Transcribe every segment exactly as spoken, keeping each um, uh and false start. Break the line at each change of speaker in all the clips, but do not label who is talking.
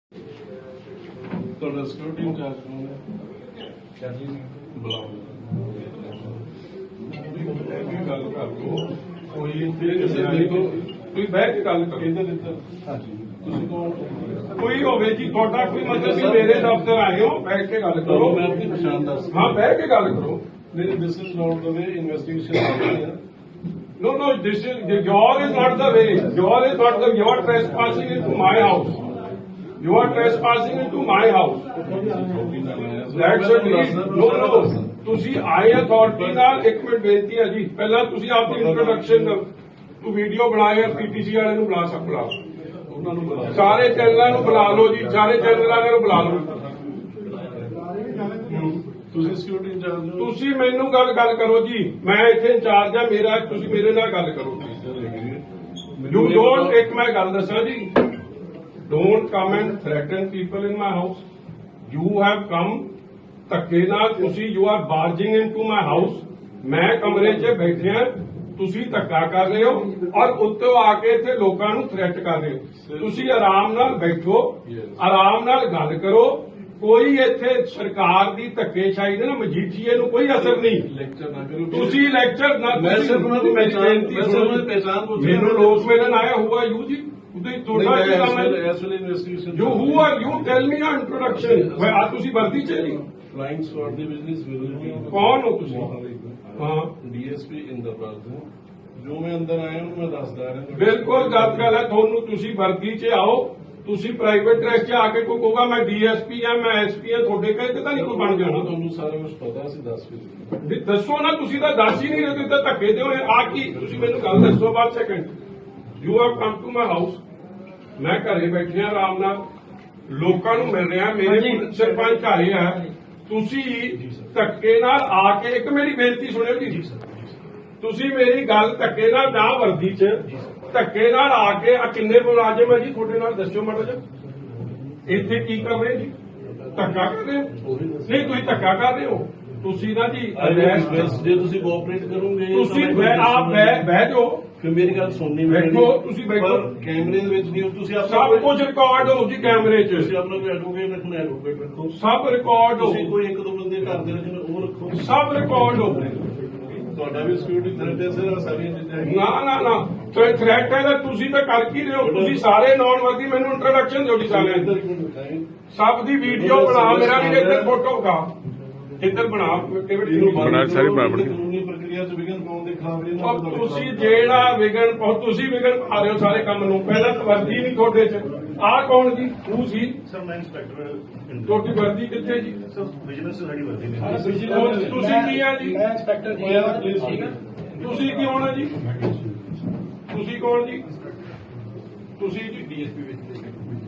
ਤੁਹਾਡਾ security incharge ਕੌਣ ਹੈ? ਬੁਲਾਓ। ਗੱਲ ਕਰ ਲਓ, ਕੋਈ ਕਿਸੇ ਦੇਖੋ ਤੁਸੀਂ ਬਹਿ ਕੇ ਗੱਲ ਕਰੋ। ਇੱਧਰ ਇੱਧਰ ਹਾਂਜੀ, ਤੁਸੀਂ ਕੌਣ? ਕੋਈ ਹੋਵੇ ਜੀ ਤੁਹਾਡਾ ਕੋਈ ਮਤਲਬ ਵੀ ਮੇਰੇ ਦਫ਼ਤਰ ਆਏ ਹੋ, ਬੈਠ ਕੇ ਗੱਲ ਕਰੋ। ਮੈਂ ਆਪਣੀ ਪਛਾਣ ਦੱਸ। ਹਾਂ, ਬਹਿ ਕੇ ਗੱਲ ਕਰੋ। ਨਹੀਂ, this is not the way investigation. No, no, this is, your is not the way. Your is not the, you are trespassing into my house. You are trespassing into my house. That's a deed. No, no. ਤੁਸੀਂ ਆਏ authority ਨਾਲ ਇੱਕ minute ਬੇਨਤੀ ਹੈ ਜੀ, ਪਹਿਲਾਂ ਤੁਸੀਂ ਆਪਣੀ ਇੰਟਰੋਡਕਸ਼ਨ ਤੂੰ ਵੀਡੀਓ ਬਣਾਇਆ, ਪੀਟੀਸੀ ਵਾਲੇ ਨੂੰ ਬੁਲਾ ਸਕ ਬੁਲਾ ਉਹਨਾਂ ਨੂੰ ਬੁਲਾ, ਸਾਰੇ ਚੈਨਲਾਂ ਨੂੰ ਬੁਲਾ ਲਓ ਜੀ, ਸਾਰੇ ਚੈਨਲ ਵਾਲਿਆਂ ਨੂੰ ਬੁਲਾ ਲਓ। ਤੁਸੀਂ ਸਿਕਿਉਰਿਟੀ ਇੰਚਾਰਜ ਹੋ, ਤੁਸੀਂ ਮੈਨੂੰ ਗੱਲ ਗੱਲ ਕਰੋ ਜੀ, ਮੈਂ ਇੱਥੇ ਇੰਚਾਰਜ ਆ ਮੇਰਾ, ਤੁਸੀਂ ਮੇਰੇ ਨਾਲ ਗੱਲ ਕਰੋ। ਯੂ ਡੋਂਟ, ਇੱਕ ਮੈਂ ਗੱਲ ਦੱਸਾਂ ਜੀ, don't come and threaten people in my house. You have come ਧੱਕੇ ਨਾਲ, ਤੁਸੀਂ you are barging into my house. ਮੈਂ ਕਮਰੇ 'ਚ ਬੈਠਿਆ, ਤੁਸੀਂ ਧੱਕਾ ਕਰ ਰਹੇ ਹੋ ਔਰ ਉੱਤੋਂ ਆ ਕੇ ਇੱਥੇ ਲੋਕਾਂ ਨੂੰ ਥ੍ਰੈਟ ਕਰ ਰਹੇ ਹੋ। ਤੁਸੀਂ ਆਰਾਮ ਨਾਲ ਬੈਠੋ, ਆਰਾਮ ਨਾਲ ਗੱਲ ਕਰੋ। ਕੋਈ ਇੱਥੇ ਸਰਕਾਰ ਦੀ ਧੱਕੇਸ਼ਾਹੀ ਦੇ ਨਾ ਮਜੀਠੀਏ ਨੂੰ ਕੋਈ ਅਸਰ ਨਹੀਂ। ਲੈਕਚਰ ਨਾ ਕਰੋ ਤੁਸੀਂ, ਲੈਕਚਰ ਨਾ। ਮੈਂ ਸਿਰਫ ਉਹਨਾਂ ਦੀ ਪਹਿਚਾਣ, ਮੈਨੂੰ ਲੋਕ ਮਿਲਣ ਆਇਆ ਹੋਊਗਾ ਯੂ ਜੀ, ਤੁਹਾਡਾ ਕੀ ਕੰਮ ਹੈ? You who are you, tell me a introduction. ਆ ਤੁਸੀਂ ਵਰਦੀ ਚ ਨਹੀਂ, ਫਲਾਈਂਗ ਸਕੁਆਡ ਦੇ ਬਿਜ਼ਨਸ ਕੌਣ ਹੋ ਤੁਸੀਂ? ਹਾਂ, ਡੀਐਸਪੀ ਇੰਦਰਪਾਲ। ਜੋ ਮੈਂ ਅੰਦਰ ਆਇਆ ਉਹਨੂੰ ਮੈਂ ਦੱਸਦਾ ਰਿਹਾ। ਬਿਲਕੁਲ ਗਲਤ ਗੱਲ ਹੈ ਤੁਹਾਨੂੰ, ਤੁਸੀਂ ਵਰਦੀ ਚ ਆਓ, ਤੁਸੀਂ ਪ੍ਰਾਈਵੇਟ ਡਰੈਸ 'ਚ ਆ ਕੇ ਕੋਈ ਕਹੂਗਾ ਮੈਂ ਡੀਐਸਪੀ ਆ, ਮੈਂ ਐਸਪੀ ਆ, ਤੁਹਾਡੇ ਕਹੇ ਤੇ ਤਾਂ ਨਹੀਂ ਕੋਈ ਬਣ ਜਾਣਾ। ਤੁਹਾਨੂੰ ਸਾਰਾ ਕੁਝ ਪਤਾ ਸੀ, ਦੱਸ ਵੀ ਦੱਸੋ ਨਾ, ਤੁਸੀਂ ਤਾਂ ਦੱਸ ਹੀ ਨਹੀਂ ਰਹੇ, ਤੁਸੀਂ ਤਾਂ ਧੱਕੇ ਦਿਓ। ਆ ਕੀ ਤੁਸੀਂ ਮੈਨੂੰ ਗੱਲ ਦੱਸੋ। ਬਾਅਦ second, you have come to my house, ਮੈਂ ਘਰੇ ਬੈਠੇ ਆ ਆਰਾਮ ਨਾਲ, ਲੋਕਾਂ ਨੂੰ ਮਿਲ ਰਿਹਾ, ਮੇਰੇ ਸਰਪੰਚ ਘਰੇ ਆ, ਤੁਸੀਂ ਧੱਕੇ ਨਾਲ ਆ ਕੇ, ਇੱਕ ਮੇਰੀ ਬੇਨਤੀ ਸੁਣਿਓ ਜੀ, ਤੁਸੀਂ ਮੇਰੀ ਗੱਲ ਧੱਕੇ ਨਾਲ ਨਾ ਵਰਦੀ 'ਚ ਧੱਕੇ ਨਾਲ ਆ ਕੇ, ਆ ਕਿੰਨੇ ਮੁਲਾਜ਼ਮ ਹੈ ਜੀ ਤੁਹਾਡੇ ਨਾਲ, ਦੱਸੋ ਮਾੜਾ ਜਿਹਾ। ਇੱਥੇ ਕੀ ਕਰ ਰਹੇ ਜੀ? ਧੱਕਾ ਕਰ ਰਹੇ ਹੋ? ਨਹੀਂ, ਤੁਸੀਂ ਧੱਕਾ ਕਰ ਰਹੇ ਹੋ। ਤੁਸੀਂ ਨਾ ਜੀ ਜੇ ਤੁਸੀਂ ਕੋਆਪਰੇਟ ਕਰੋਗੇ, ਤੁਸੀਂ ਆਪ ਬਹਿ ਜਾਓ, ਫਿਰ ਮੇਰੀ ਗੱਲ ਸੁਣਨੀ। ਬੈਠੋ, ਤੁਸੀਂ ਬੈਠੋ, ਕੈਮਰੇ ਦੇ ਵਿੱਚ ਨਹੀਂ, ਤੁਸੀਂ ਸਭ ਕੁਝ ਰਿਕਾਰਡ ਹੋ ਜੀ ਕੈਮਰੇ 'ਚ। ਤੁਸੀਂ ਆਪਣਾ ਕੋਈ ਐਡਵੋਕੇਟ ਰੱਖਣਾ, ਐਡਵੋਕੇਟ ਰੱਖੋ, ਸਭ ਰਿਕਾਰਡ ਹੋ। ਕੋਈ ਇੱਕ ਦੋ ਬੰਦੇ ਘਰ ਦੇ ਰੱਖਣੇ, ਉਹ ਰੱਖੋ, ਸਭ ਰਿਕਾਰਡ ਹੋ। ਤੁਹਾਡਾ ਵੀ ਸਿਕਿਉਰਿਟੀ ਥ੍ਰੈਟ ਹੈ ਸਰ, ਸਾਰੀਆਂ ਚੀਜ਼ਾਂ। ਨਾ ਨਾ ਨਾ, ਥ੍ਰੈਟ ਹੈ ਤਾਂ ਤੁਸੀਂ ਤਾਂ ਕਰ ਕੀ ਰਹੇ ਹੋ? ਤੁਸੀਂ ਸਾਰੇ ਨੌਨ ਵਰਦੀ, ਮੈਨੂੰ ਇੰਟਰੋਡਕਸ਼ਨ ਦਿਓ ਜੀ ਸਾਰਿਆਂ ਦੀ, ਸਭ ਦੀ ਵੀਡੀਓ ਬਣਾ, ਮੇਰਾ ਵੀ ਇੱਧਰ ਫੋਟੋ ਕਾ ਇੱਧਰ ਬਣਾ, ਬਣਾ ਸਾਰੀ ਕਾਨੂੰਨੀ ਪ੍ਰਕਿਰਿਆ 'ਚ ਵਿਘਨ ਪਾਉਣ ਦੇ ਖਿਲਾਫ। ਤੁਸੀਂ ਜਿਹੜਾ ਵਿਘਨ ਪਾਓ, ਤੁਸੀਂ ਵਿਘਨ ਪਾ ਰਹੇ ਹੋ ਸਾਰੇ ਕੰਮ ਨੂੰ। ਪਹਿਲਾਂ ਤਾਂ ਵਰਦੀ ਨਹੀਂ ਤੁਹਾਡੇ 'ਚ। ਆਹ ਕੌਣ ਜੀ? ਤੂੰ ਸੀ? ਸਰ ਮੈਂ ਇੰਸਪੈਕਟਰ। ਤੁਹਾਡੀ ਵਰਦੀ ਕਿੱਥੇ ਜੀ? ਸਰ ਬਿਜ਼ਨਸ ਸਾਡੀ ਵਰਦੀ ਨਹੀਂ। ਤੁਸੀਂ ਕੀ ਆ ਜੀ? ਮੈਂ ਇੰਸਪੈਕਟਰ ਜੀ। ਤੁਸੀਂ ਕੀ ਹੋਣਾ ਜੀ? ਤੁਸੀਂ ਕੌਣ ਜੀ? ਤੁਸੀਂ ਜੀ ਡੀਐਸਪੀ ਵਿੱਚ।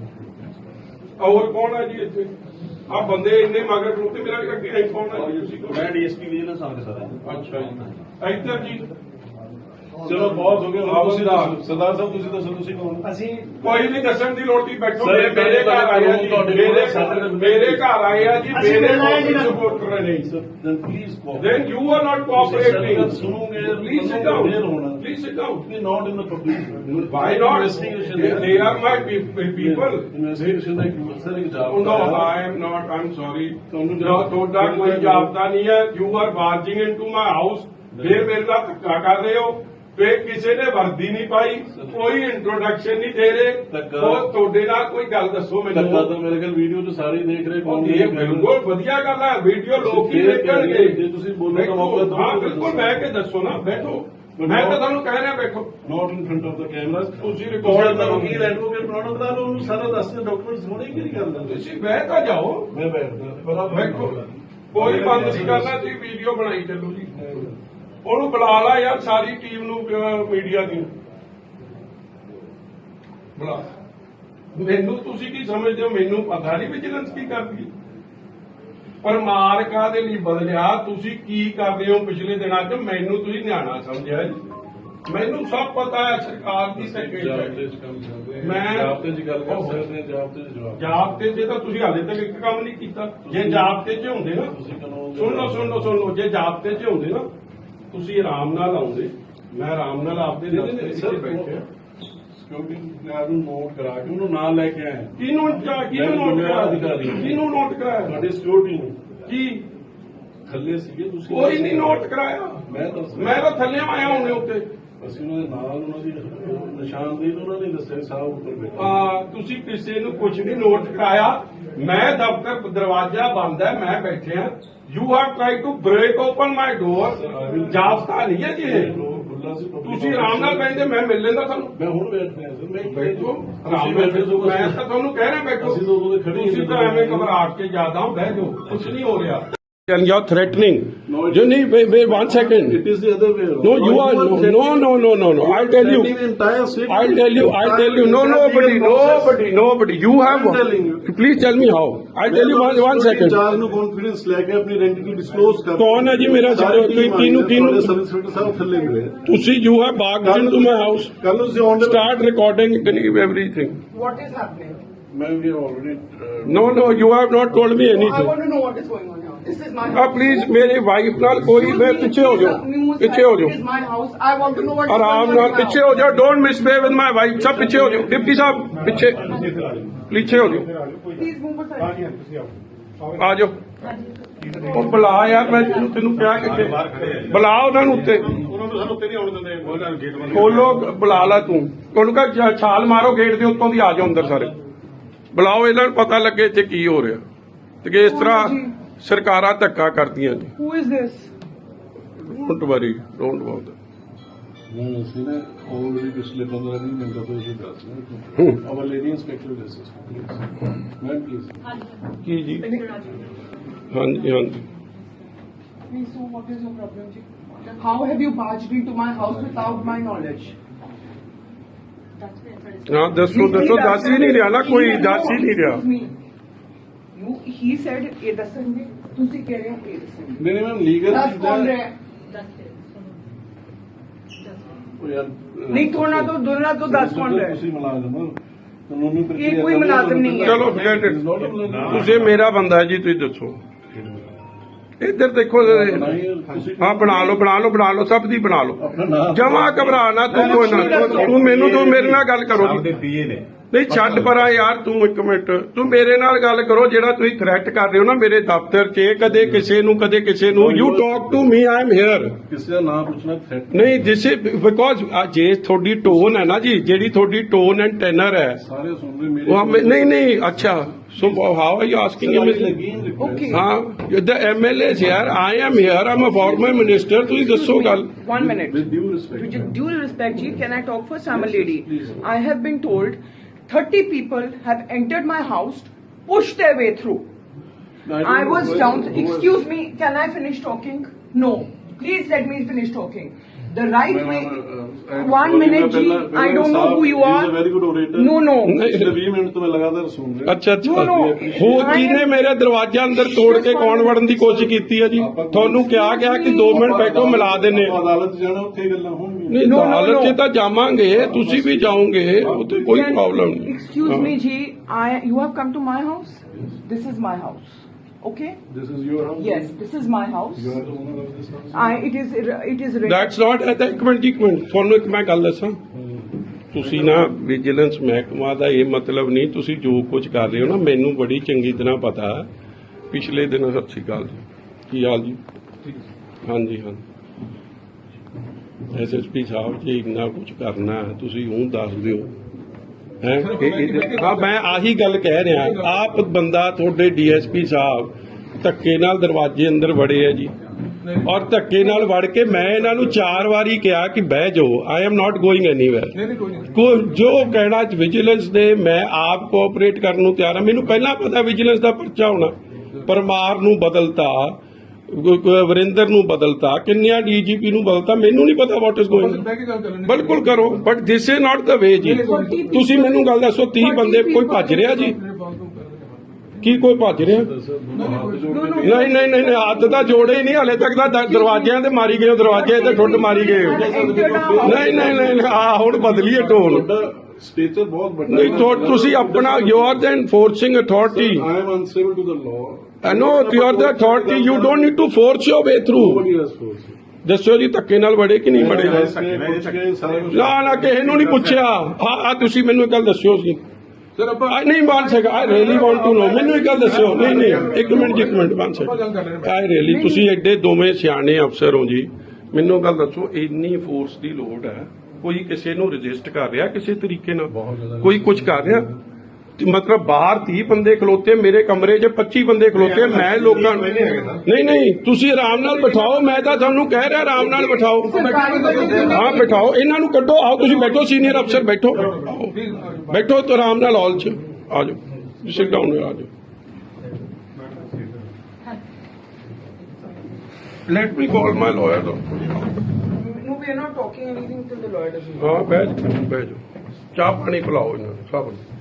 ਹੋਰ ਕੌਣ ਹੈ ਜੀ ਇੱਥੇ? ਆ ਬੰਦੇ ਇੰਨੇ ਮਗਰ ਨੂੰ ਤੇ ਮੇਰਾ ਅੱਗੇ ਆਈ ਕੌਣ ਹੈ ਜੀ? ਤੁਸੀਂ? ਮੈਂ ਡੀਐਸਪੀ ਵਿਜੀਲੈਂਸ ਆਫਿਸਰ ਸਰ। ਅੱਛਾ ਜੀ, ਇੱਧਰ ਜੀ। ਚਲੋ ਬਹੁਤ ਹੋ ਗਿਆ, ਤੁਸੀਂ ਸਰਦਾਰ ਸਾਹਿਬ ਤੁਸੀਂ ਦੱਸੋ, ਤੁਸੀਂ ਕੌਣ? ਅਸੀਂ ਕੋਈ ਨਹੀਂ ਦੱਸਣ ਦੀ ਲੋੜ ਨਹੀਂ, ਬੈਠੋ। ਮੇਰੇ ਘਰ ਆਏ ਆ ਜੀ, ਮੇਰੇ ਘਰ ਆਏ ਆ ਜੀ, ਮੇਰੇ ਸਪੋਰਟਰ ਨੇ। Then you are not cooperating. ਸੁਣੋਗੇ, please sit down. Please sit down. Not in the public. Why not? They are my people. Investigation ਦਾ ਇੱਕ ਸਰ ਇੱਕ job. No, I am not. I'm sorry. ਤੁਹਾਡਾ ਕੋਈ ਜਾਬਤਾ ਨਹੀਂ ਹੈ। You are barging into my house. ਫਿਰ ਮੇਰੇ ਨਾਲ ਧੱਕਾ ਕਰ ਰਹੇ ਹੋ। ਫਿਰ ਕਿਸੇ ਨੇ ਵਰਦੀ ਨਹੀਂ ਪਾਈ, ਕੋਈ ਇੰਟਰੋਡਕਸ਼ਨ ਨਹੀਂ ਦੇ ਰਹੇ। ਉਹ ਤੁਹਾਡੇ ਨਾਲ ਕੋਈ ਗੱਲ ਦੱਸੋ ਮੈਨੂੰ। ਧੱਕਾ ਤਾਂ ਮੇਰੇ ਕੋਲ ਵੀਡੀਓ 'ਚ ਸਾਰੇ ਦੇਖ ਰਹੇ। ਇਹ ਬਿਲਕੁਲ ਵਧੀਆ ਗੱਲ ਹੈ, ਵੀਡੀਓ ਲੋਕ ਹੀ ਦੇਖਣਗੇ। ਜੇ ਤੁਸੀਂ ਬੋਲਣ ਦਾ ਮੌਕਾ ਦਿਓ। ਹਾਂ ਬਿਲਕੁਲ, ਬਹਿ ਕੇ ਦੱਸੋ ਨਾ, ਬੈਠੋ। ਮੈਂ ਤਾਂ ਤੁਹਾਨੂੰ ਕਹਿ ਰਿਹਾ ਬੈਠੋ। Not in front of the camera. ਤੁਸੀਂ ਰਿਕਾਰਡ ਕਰੋ, ਕੀ ਐਡਵੋਕੇਟ ਬਣਾਉਣਾ ਬਣਾ ਲਓ, ਉਹਨੂੰ ਸਾਰਾ ਦੱਸ ਦਿਓ, ਡਾਕੂਮੈਂਟਸ ਹੋਣੇ ਕੀ ਨਹੀਂ ਕਰਦਾ। ਤੁਸੀਂ ਬਹਿ ਤਾਂ ਜਾਓ। ਮੈਂ ਬੈਠਦਾ, ਬੈਠੋ, ਕੋਈ ਬੰਦ ਨਹੀਂ ਕਰਨਾ। ਤੁਸੀਂ ਵੀਡੀਓ ਬਣਾਈ ਚੱਲੋ ਜੀ। ਉਹਨੂੰ ਬੁਲਾ ਲਾ ਯਾਰ, ਸਾਰੀ ਟੀਮ ਨੂੰ, ਮੀਡੀਆ ਦੀ ਬੁਲਾ। ਮੈਨੂੰ ਤੁਸੀਂ ਕੀ ਸਮਝਦੇ ਹੋ? ਮੈਨੂੰ ਪਤਾ ਨਹੀਂ ਵਿਜੀਲੈਂਸ ਕੀ ਕਰਦੀ। ਪਰ ਮਾਰਕਾ ਦੇ ਲਈ ਬਦਲਿਆ, ਤੁਸੀਂ ਕੀ ਕਰ ਰਹੇ ਹੋ ਪਿਛਲੇ ਦਿਨਾਂ 'ਚ? ਮੈਨੂੰ ਤੁਸੀਂ ਨਿਆਣਾ ਸਮਝਿਆ ਜੀ। ਮੈਨੂੰ ਸਭ ਪਤਾ ਹੈ ਸਰਕਾਰ ਦੀ ਸੈਕਟਰੀ। ਮੈਂ ਜਾਬਤੇ 'ਚ ਗੱਲ ਕਰ ਸਕਦੇ ਹਾਂ, ਜਾਬਤੇ 'ਚ ਜਵਾਬ। ਜਾਬਤੇ 'ਚ ਤਾਂ ਤੁਸੀਂ ਹਾਲੇ ਤੱਕ ਇੱਕ ਕੰਮ ਨਹੀਂ ਕੀਤਾ। ਜੇ ਜਾਬਤੇ 'ਚ ਹੁੰਦੇ ਨਾ, ਸੁਣ ਲਓ ਸੁਣ ਲਓ ਸੁਣ ਲਓ, ਜੇ ਜਾਬਤੇ 'ਚ ਹੁੰਦੇ ਨਾ, ਤੁਸੀਂ ਆਰਾਮ ਨਾਲ ਆਉਂਦੇ, ਮੈਂ ਆਰਾਮ ਨਾਲ ਆਪਦੇ ਦਫ਼ਤਰ 'ਚ ਬੈਠੇ।
ਸਿਕਿਉਰਿਟੀ ਗਾਰਡ ਨੂੰ ਨੋਟ ਕਰਾ ਕੇ ਉਹਨੂੰ ਨਾਲ ਲੈ ਕੇ ਆਏ।
ਕਿਹਨੂੰ ਚਾ- ਕਿਹਨੂੰ ਨੋਟ ਕਰਾਇਆ ਕਿਹਨੂੰ ਨੋਟ ਕਰਾਇਆ
ਤੁਹਾਡੀ ਸਿਕਿਉਰਿਟੀ ਨੂੰ
ਕੀ
ਥੱਲੇ ਸੀਗੇ ਤੁਸੀਂ।
ਕੋਈ ਨਹੀਂ ਨੋਟ ਕਰਾਇਆ
ਮੈਂ ਦੱਸ
ਮੈਂ ਤਾਂ ਥੱਲੇ ਆਇਆ ਹੁਣੇ ਉੱਤੇ
ਅਸੀਂ ਉਹਨਾਂ ਦੇ ਨਾਲ ਉਹਨਾਂ ਦੀ ਨਿਸ਼ਾਨਦੇਹੀ ਤੋਂ ਉਹਨਾਂ ਨੇ ਦੱਸਿਆ ਸਾਹਿਬ ਉੱਪਰ ਬੈਠੇ।
ਆ ਤੁਸੀਂ ਕਿਸੇ ਨੂੰ ਕੁਝ ਨਹੀਂ ਨੋਟ ਕਰਾਇਆ ਮੈਂ ਦਫ਼ਤਰ ਦਰਵਾਜ਼ਾ ਬੰਦ ਹੈ ਮੈਂ ਬੈਠਿਆ you have try to break open my door ਜਾਬਤਾ ਨਹੀਂ ਹੈ ਜੀ ਇਹ।
ਖੁੱਲਾ ਸੀ
ਤੁਸੀਂ ਆਰਾਮ ਨਾਲ ਬੈਠੇ ਮੈਂ ਮਿਲ ਲੈਂਦਾ ਤੁਹਾਨੂੰ
ਮੈਂ ਹੁਣ ਬੈਠ ਰਿਹਾ ਸਰ ਮੈਂ
ਬੈਠੋ ਆਰਾਮ ਨਾਲ ਬੈਠੋ ਮੈਂ ਤਾਂ ਤੁਹਾਨੂੰ ਕਹਿ ਰਿਹਾ ਬੈਠੋ
ਅਸੀਂ ਤਾਂ ਉਦੋਂ ਦੇ ਖੜੇ ਹੀ
ਤੁਸੀਂ ਤਾਂ ਐਵੇਂ ਘਬਰਾ ਕੇ ਜਿਆਦਾ ਬਹਿ ਜਾਓ ਕੁਝ ਨਹੀਂ ਹੋ ਰਿਹਾ
And you're threatening.
No, it-
you need wait, wait one second.
It is the other way around.
No, you are no, no, no, no, no, no. I'll tell you.
threatening the entire city.
I'll tell you. I'll tell you. No,
There has been
nobody,
a process.
nobody, nobody. You have.
I'm telling you.
Please tell me how. I'll tell you one, one second.
ਚਾਰ ਨੂੰ confidence ਲੈ ਕੇ ਆਪਣੀ ਆਇਡੈਂਟੀ disclose ਕਰ।
ਕੌਣ ਹੈ ਜੀ ਮੇਰਾ
ਸਾਰੀ
ਕੋਈ
team
ਕਿਹਨੂੰ-
ਆਈ ਹੈ,
ਕਿਹਨੂੰ-
ਤੁਹਾਡੇ ਸਰਵਿਸ ਇੰਸਪੈਕਟਰ ਸਾਹਿਬ ਥੱਲੇ ਮਿਲੇ।
ਤੁਸੀਂ you have barged into my house.
ਕੱਲ ਨੂੰ ਤੁਸੀਂ ਆਨ
Start recording everything.
What is happening?
ਮੈਂ ਵੀ already
No, no, you have not told me
I
anything.
want to know what is going on here. This is my
Ah,
house.
please, मेरी wife नाल कोई
Excuse
मैं
me,
पीछे हो
please,
जाओ,
uh, remove
पीछे
that.
हो
It is
जाओ,
my house. I want to know what is
आराम
going on
नाल
in my
पीछे
house.
हो जाओ. Don't misbehave with my wife. सब पीछे हो जाओ. डिप्टी साहब पीछे पीछे हो जाओ.
Please move aside.
ਆ ਜਾਓ ਉਹ ਬੁਲਾ ਯਾਰ ਮੈਂ ਤੈਨੂੰ ਤੈਨੂੰ ਕਿਹਾ ਕਿੱਥੇ ਬੁਲਾ ਉਹਨਾਂ ਨੂੰ ਉੱਤੇ
ਉਹਨਾਂ ਨੂੰ ਸਾਨੂੰ ਉੱਤੇ ਨਹੀਂ ਆਉਣ ਦਿੰਦੇ ਉਹਨਾਂ ਗੇਟ ਬੰਦ
ਖੋਲੋ ਬੁਲਾ ਲਾ ਤੂੰ ਉਹਨੂੰ ਕਹ ਛਾਲ ਮਾਰੋ ਗੇਟ ਦੇ ਉੱਤੋਂ ਦੀ ਆ ਜਾਓ ਅੰਦਰ ਸਾਰੇ ਬੁਲਾਓ ਇਹਨਾਂ ਨੂੰ ਪਤਾ ਲੱਗੇ ਇੱਥੇ ਕੀ ਹੋ ਰਿਹਾ ਤੇ ਕਿ ਇਸ ਤਰ੍ਹਾਂ ਸਰਕਾਰਾਂ ਧੱਕਾ ਕਰਦੀਆਂ ਨੇ
Who is this?
Don't worry don't about
ਨਹੀਂ ਅਸੀਂ ਨੇ ਆਲਰੇਡੀ ਪਿਛਲੇ ਪੰਦਰਾਂ ਵੀਹ ਮਿੰਟਾਂ ਤੋਂ ਇਹ ਦੱਸ ਰਹੇ ਹਾਂ our lady inspector this is please ma'am please
ਕੀ ਜੀ ਹਾਂਜੀ ਹਾਂਜੀ
Please, so what is your problem, ji? How have you barged into my house without my knowledge?
ਹਾਂ ਦੱਸੋ ਦੱਸੋ ਦੱਸ ਹੀ ਨਹੀਂ ਰਿਹਾ ਨਾ ਕੋਈ ਦੱਸ ਹੀ ਨਹੀਂ ਰਿਹਾ
Excuse me. You, he said, ਇਹ ਦੱਸਣਗੇ ਤੁਸੀਂ ਕਹਿ ਰਹੇ ਹੋ ਇਹ ਦੱਸਣਗੇ
ਨਹੀਂ ਨਹੀਂ ਮੈਮ ਲੀਗਲ
ਦੱਸ ਕੌਣ ਰਿਹਾ ਹੈ?
ਯਾਰ
ਨਹੀਂ ਥੋੜਾ ਤੋਂ ਦੋਨਾਂ ਤੋਂ ਦੱਸ ਕੌਣ ਰਿਹਾ ਹੈ?
ਤੁਸੀਂ ਮੁਲਾਜ਼ਮ ਹੋ ਕਾਨੂੰਨੀ ਪ੍ਰਕਿਰਿਆ
ਇਹ ਕੋਈ ਮੁਲਾਜ਼ਮ ਨਹੀਂ ਹੈ।
ਚਲੋ forget it. ਤੁਸੀਂ ਮੇਰਾ ਬੰਦਾ ਹੈ ਜੀ ਤੁਸੀਂ ਦੱਸੋ ਇੱਧਰ ਦੇਖੋ ਹਾਂ ਬਣਾ ਲਓ ਬਣਾ ਲਓ ਬਣਾ ਲਓ ਸਭ ਦੀ ਬਣਾ ਲਓ
ਆਪਣਾ ਨਾਮ
ਜਮਾ ਘਬਰਾ ਨਾ ਤੂੰ ਕੋਈ ਨਾ ਤੂੰ ਮੈਨੂੰ ਤੂੰ ਮੇਰੇ ਨਾਲ ਗੱਲ ਕਰੋ ਜੀ।
ਪੀਏ ਨੇ
ਨਹੀਂ ਛੱਡ ਪਰਾਂ ਯਾਰ ਤੂੰ ਇੱਕ ਮਿੰਟ ਤੂੰ ਮੇਰੇ ਨਾਲ ਗੱਲ ਕਰੋ ਜਿਹੜਾ ਤੁਸੀਂ ਥ੍ਰੈਟ ਕਰ ਰਹੇ ਹੋ ਨਾ ਮੇਰੇ ਦਫ਼ਤਰ 'ਚ ਕਦੇ ਕਿਸੇ ਨੂੰ ਕਦੇ ਕਿਸੇ ਨੂੰ you talk to me I am here
ਕਿਸੇ ਦਾ ਨਾਮ ਪੁੱਛਣਾ ਥ੍ਰੈਟ
ਨਹੀਂ ਜਿਸ ਬਿਕੋਜ਼ ਜੇ ਤੁਹਾਡੀ ਟੋਨ ਹੈ ਨਾ ਜੀ ਜਿਹੜੀ ਤੁਹਾਡੀ ਟੋਨ ਐਂਡ ਟੈਨਰ ਹੈ
ਸਾਰੇ ਸੁਣ ਰਹੇ ਮੇਰੇ
ਉਹ ਹਮੇ- ਨਹੀਂ ਨਹੀਂ ਅੱਛਾ so how are you asking him
Okay.
ਹਾਂ ਦ ਐਮਐਲਏ ਯਾਰ I am here I'm a former minister ਤੁਸੀਂ ਦੱਸੋ ਗੱਲ
One minute.
With due respect
With due respect, Ji, can I talk first? I'm a lady. I have been told thirty people have entered my house, pushed their way through. I was down. Excuse me, can I finish talking? No. Please let me finish talking. The right way. One minute, Ji. I don't know who you are.
Very good orator
No, no.
ਪਿਛਲੇ ਵੀਹ minute ਤੋਂ ਮੈਂ ਲਗਾਤਾਰ ਸੁਣ ਰਿਹਾ
ਅੱਛਾ ਅੱਛਾ
No, no.
ਹੋ ਕਿਹਨੇ ਮੇਰੇ ਦਰਵਾਜ਼ੇ ਅੰਦਰ ਤੋੜ ਕੇ ਕੌਣ ਵੜਨ ਦੀ ਕੋਸ਼ਿਸ਼ ਕੀਤੀ ਹੈ ਜੀ ਤੁਹਾਨੂੰ ਕਿਹਾ ਗਿਆ ਕਿ ਦੋ ਮਿੰਟ ਬੈਠੋ ਮਿਲਾ ਦਿੰਨੇ
ਆਪਾਂ ਅਦਾਲਤ ਜਾਣਾ ਉੱਥੇ ਹੀ ਗੱਲਾਂ ਹੋਣਗੀਆਂ
ਨਹੀਂ
No, no,
ਅਦਾਲਤ 'ਚ
no.
ਤਾਂ ਜਾਵਾਂਗੇ ਤੁਸੀਂ ਵੀ ਜਾਓਗੇ ਉੱਥੇ ਕੋਈ
Can-
ਪ੍ਰੋਬਲਮ ਨਹੀਂ
Excuse
ਹਾਂ।
me, Ji. I. You have come to my house. This is my house. Okay.
This is your house
Yes, this is my house.
You are the owner of this house
I. It is. It is.
That's not at ਇੱਕ minute ਇੱਕ minute ਤੁਹਾਨੂੰ ਇੱਕ ਮੈਂ ਗੱਲ ਦੱਸਾਂ ਤੁਸੀਂ ਨਾ vigilance ਮਹਿਕਮਾ ਦਾ ਇਹ ਮਤਲਬ ਨਹੀਂ ਤੁਸੀਂ ਜੋ ਕੁਝ ਕਰ ਰਹੇ ਹੋ ਨਾ ਮੈਨੂੰ ਬੜੀ ਚੰਗੀ ਤਰ੍ਹਾਂ ਪਤਾ ਹੈ ਪਿਛਲੇ ਦਿਨ ਸਤਿ ਸ਼੍ਰੀ ਅਕਾਲ ਜੀ ਕੀ ਹਾਲ ਜੀ ਹਾਂਜੀ ਹਾਂ ਐਸਐਸਪੀ ਸਾਹਿਬ ਜੀ ਇੰਨਾ ਕੁਝ ਕਰਨਾ ਹੈ ਤੁਸੀਂ ਉਹ ਦੱਸ ਦਿਓ ਹੈ ਹਾਂ ਮੈਂ ਆਹੀ ਗੱਲ ਕਹਿ ਰਿਹਾ ਆਪ ਬੰਦਾ ਤੁਹਾਡੇ ਡੀਐਸਪੀ ਸਾਹਿਬ ਧੱਕੇ ਨਾਲ ਦਰਵਾਜ਼ੇ ਅੰਦਰ ਵੜੇ ਆ ਜੀ ਔਰ ਧੱਕੇ ਨਾਲ ਵੜ ਕੇ ਮੈਂ ਇਹਨਾਂ ਨੂੰ ਚਾਰ ਵਾਰੀ ਕਿਹਾ ਕਿ ਬਹਿ ਜਾਓ I am not going anywhere ਕੋ ਜੋ ਕਹਿਣਾ ਵਿਜੀਲੈਂਸ ਦੇ ਮੈਂ ਆਪ ਕੋਆਪਰੇਟ ਕਰਨ ਨੂੰ ਤਿਆਰ ਹਾਂ ਮੈਨੂੰ ਪਹਿਲਾਂ ਪਤਾ ਵਿਜੀਲੈਂਸ ਦਾ ਪਰਚਾ ਹੋਣਾ ਪਰਮਾਰ ਨੂੰ ਬਦਲਤਾ ਵਰਿੰਦਰ ਨੂੰ ਬਦਲਤਾ ਕਿੰਨਿਆਂ ਡੀਜੀਪੀ ਨੂੰ ਬਦਲਤਾ ਮੈਨੂੰ ਨਹੀਂ ਪਤਾ ਵਾਟ ਇਜ਼ ਗੋਇੰਗ ਬਿਲਕੁਲ ਕਰੋ ਬਟ ਦਿਸ ਇਜ਼ ਨਾਟ ਦਾ ਵੇ ਜੀ ਤੁਸੀਂ ਮੈਨੂੰ ਗੱਲ ਦੱਸੋ ਤੀਹ ਬੰਦੇ ਕੋਈ ਭੱਜ ਰਿਹਾ ਜੀ ਕੀ ਕੋਈ ਭੱਜ ਰਿਹਾ ਨਹੀਂ ਨਹੀਂ ਨਹੀਂ ਨਹੀਂ ਹੱਥ ਤਾਂ ਜੋੜੇ ਹੀ ਨਹੀਂ ਹਲੇ ਤੱਕ ਤਾਂ ਦ- ਦਰਵਾਜ਼ਿਆਂ ਤੇ ਮਾਰੀ ਗਏ ਹੋ, ਦਰਵਾਜ਼ੇ ਤੇ ਠੁੱਡ ਮਾਰੀ ਗਏ ਹੋ। ਨਹੀਂ ਨਹੀਂ ਨਹੀਂ ਆ ਹੁਣ ਬਦਲੀਏ ਟੋਨ
ਸਟੇਚਰ ਬਹੁਤ ਵੱਡਾ
ਨਹੀਂ ਤੁਹਾ- ਤੁਸੀਂ ਆਪਣਾ you are the enforcing authority
I am unstable to the law
I know you are the authority. You don't need to force your way through.
nobody has force
ਦੱਸੋ ਜੀ ਧੱਕੇ ਨਾਲ ਵੜੇ ਕਿ ਨਹੀਂ ਵੜੇ
ਪੁੱਛ ਕੇ ਸਾਰਾ ਕੁਝ
ਨਾ ਨਾ ਕਿਸੇ ਨੂੰ ਨਹੀਂ ਪੁੱਛਿਆ ਆ ਆ ਤੁਸੀਂ ਮੈਨੂੰ ਇੱਕ ਗੱਲ ਦੱਸਿਓ ਸੀ
ਸਰ ਆਪਾਂ
I ਨਹੀਂ ਬਣ ਸਕਾ I really want to know ਮੈਨੂੰ ਇੱਕ ਗੱਲ ਦੱਸਿਓ ਨਹੀਂ ਨਹੀਂ ਇੱਕ ਮਿੰਟ ਜੀ, ਇੱਕ ਮਿੰਟ ਬਣ ਸਕਾ ਆਈ ਰੀਅਲੀ ਤੁਸੀਂ ਐਡੇ ਦੋਵੇਂ ਸਿਆਣੇ ਅਫਸਰ ਹੋ ਜੀ ਮੈਨੂੰ ਗੱਲ ਦੱਸੋ ਇੰਨੀ ਫੋਰਸ ਦੀ ਲੋੜ ਹੈ ਕੋਈ ਕਿਸੇ ਨੂੰ ਰਜਿਸਟ ਕਰ ਰਿਹਾ ਕਿਸੇ ਤਰੀਕੇ ਨਾਲ ਕੋਈ ਕੁਝ ਕਰ ਰਿਹਾ ਤੇ ਮਤਲਬ ਬਾਹਰ ਤੀਹ ਬੰਦੇ ਖਲੋਤੇ ਮੇਰੇ ਕਮਰੇ 'ਚ ਪੱਚੀ ਬੰਦੇ ਖਲੋਤੇ ਮੈਂ ਲੋਕਾਂ ਨੂੰ ਨਹੀਂ ਨਹੀਂ ਤੁਸੀਂ ਆਰਾਮ ਨਾਲ ਬਿਠਾਓ ਮੈਂ ਤਾਂ ਤੁਹਾਨੂੰ ਕਹਿ ਰਿਹਾ ਆਰਾਮ ਨਾਲ ਬਿਠਾਓ ਹਾਂ ਬਿਠਾਓ ਇਹਨਾਂ ਨੂੰ ਕੱਢੋ ਆਓ ਤੁਸੀਂ ਬੈਠੋ ਸੀਨੀਅਰ ਅਫਸਰ ਬੈਠੋ ਆਓ। ਬੈਠੋ ਤੇ ਆਰਾਮ ਨਾਲ ਹਾਲ 'ਚ ਆ ਜਾਓ ਸਿਟ ਡਾਊਨ ਆ ਜਾਓ let me call my lawyer
No, we are not talking anything till the lawyer doesn't.
ਹਾਂ ਬਹਿ ਜਾਓ ਬਹਿ ਜਾਓ ਚਾਹ ਪਾਣੀ ਪਿਲਾਓ ਇਹਨਾਂ ਨੂੰ ਸਭ ਨੂੰ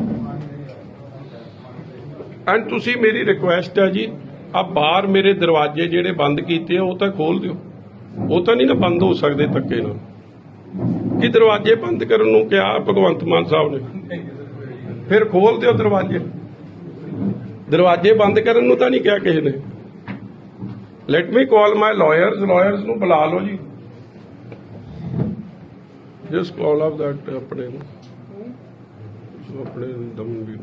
ਐਂਡ ਤੁਸੀਂ ਮੇਰੀ ਰਿਕੁਐਸਟ ਹੈ ਜੀ ਆ ਬਾਹਰ ਮੇਰੇ ਦਰਵਾਜ਼ੇ ਜਿਹੜੇ ਬੰਦ ਕੀਤੇ ਆ ਉਹ ਤਾਂ ਖੋਲ ਦਿਓ ਉਹ ਤਾਂ ਨਹੀਂ ਨਾ ਬੰਦ ਹੋ ਸਕਦੇ ਧੱਕੇ ਨਾਲ ਕਿ ਦਰਵਾਜ਼ੇ ਬੰਦ ਕਰਨ ਨੂੰ ਕਿਹਾ ਭਗਵੰਤ ਮਾਨ ਸਾਹਿਬ ਨੇ ਫਿਰ ਖੋਲ ਦਿਓ ਦਰਵਾਜ਼ੇ ਦਰਵਾਜ਼ੇ ਬੰਦ ਕਰਨ ਨੂੰ ਤਾਂ ਨਹੀਂ ਕਿਹਾ ਕਿਸੇ ਨੇ let me call my lawyers lawyers ਨੂੰ ਬੁਲਾ ਲਓ ਜੀ ਜਸਟ ਕਾਲ ਆਫ ਦੈਟ ਆਪਣੇ ਨੂੰ ਆਪਣੇ ਦਮਨ ਵੀ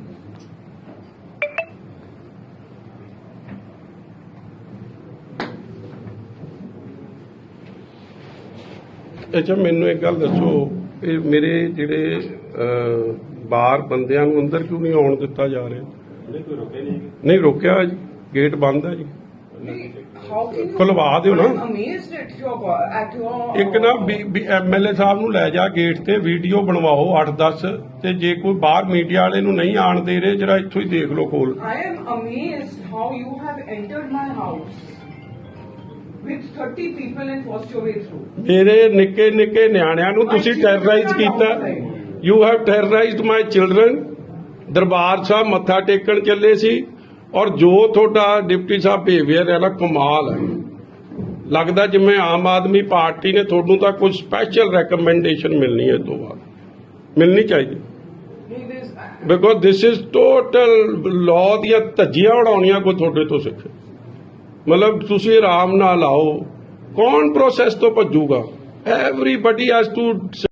ਅੱਛਾ ਮੈਨੂੰ ਇੱਕ ਗੱਲ ਦੱਸੋ ਇਹ ਮੇਰੇ ਜਿਹੜੇ ਅਹ, ਬਾਹਰ ਬੰਦਿਆਂ ਨੂੰ ਅੰਦਰ ਕਿਉਂ ਨਹੀਂ ਆਉਣ ਦਿੱਤਾ ਜਾ ਰਿਹਾ ਨਹੀਂ ਰੋਕਿਆ ਜੀ ਗੇਟ ਬੰਦ ਹੈ ਜੀ
How can you?
ਖੁਲਵਾ ਦਿਓ ਨਾ
I'm amazed at your at your.
ਇੱਕ ਨਾ ਐਮਐਲਏ ਸਾਹਿਬ ਨੂੰ ਲੈ ਜਾ ਗੇਟ ਤੇ ਵੀਡੀਓ ਬਣਵਾਓ ਅੱਠ ਦਸ ਤੇ ਜੇ ਕੋਈ ਬਾਹਰ ਮੀਡੀਆ ਵਾਲੇ ਨੂੰ ਨਹੀਂ ਆਣ ਦੇ ਰਹੇ ਜਰਾ ਇੱਥੋਂ ਹੀ ਦੇਖ ਲਓ ਕੋਲ
I am amazed how you have entered my house with thirty people and forced your way through.
ਮੇਰੇ ਨਿੱਕੇ ਨਿੱਕੇ ਨਿਆਣਿਆਂ ਨੂੰ ਤੁਸੀਂ ਟੈਰਰਾਈਜ਼ ਕੀਤਾ you have terrorised my children Darbar Sahib ਮੱਥਾ ਟੇਕਣ ਚੱਲੇ ਸੀ ਔਰ ਜੋ ਤੁਹਾਡਾ ਡਿਪਟੀ ਸਾਹਿਬ ਬਿਹੇਵੀਅਰ ਹੈ ਨਾ ਕਮਾਲ ਹੈ ਲੱਗਦਾ ਜਿਵੇਂ ਆਮ ਆਦਮੀ ਪਾਰਟੀ ਨੇ ਤੁਹਾਨੂੰ ਤਾਂ ਕੁਝ ਸਪੈਸ਼ਲ ਰეკਮੈਂਡੇਸ਼ਨ ਮਿਲਣੀ ਹੈ ਇਹ ਤੋਂ ਬਾਅਦ ਮਿਲਣੀ ਚਾਹੀਦੀ
Hey, this-
because this is total law ਦੀਆਂ ਧੱਜੀਆਂ ਉਡਾਉਣੀਆਂ ਕੋਈ ਤੁਹਾਡੇ ਤੋਂ ਸਿੱਖੇ ਮਤਲਬ ਤੁਸੀਂ ਆਰਾਮ ਨਾਲ ਆਓ ਕੌਣ ਪ੍ਰੋਸੈਸ ਤੋਂ ਭੱਜੂਗਾ ਐਵਰੀਬਡੀ ਹੈਜ਼ ਟੂ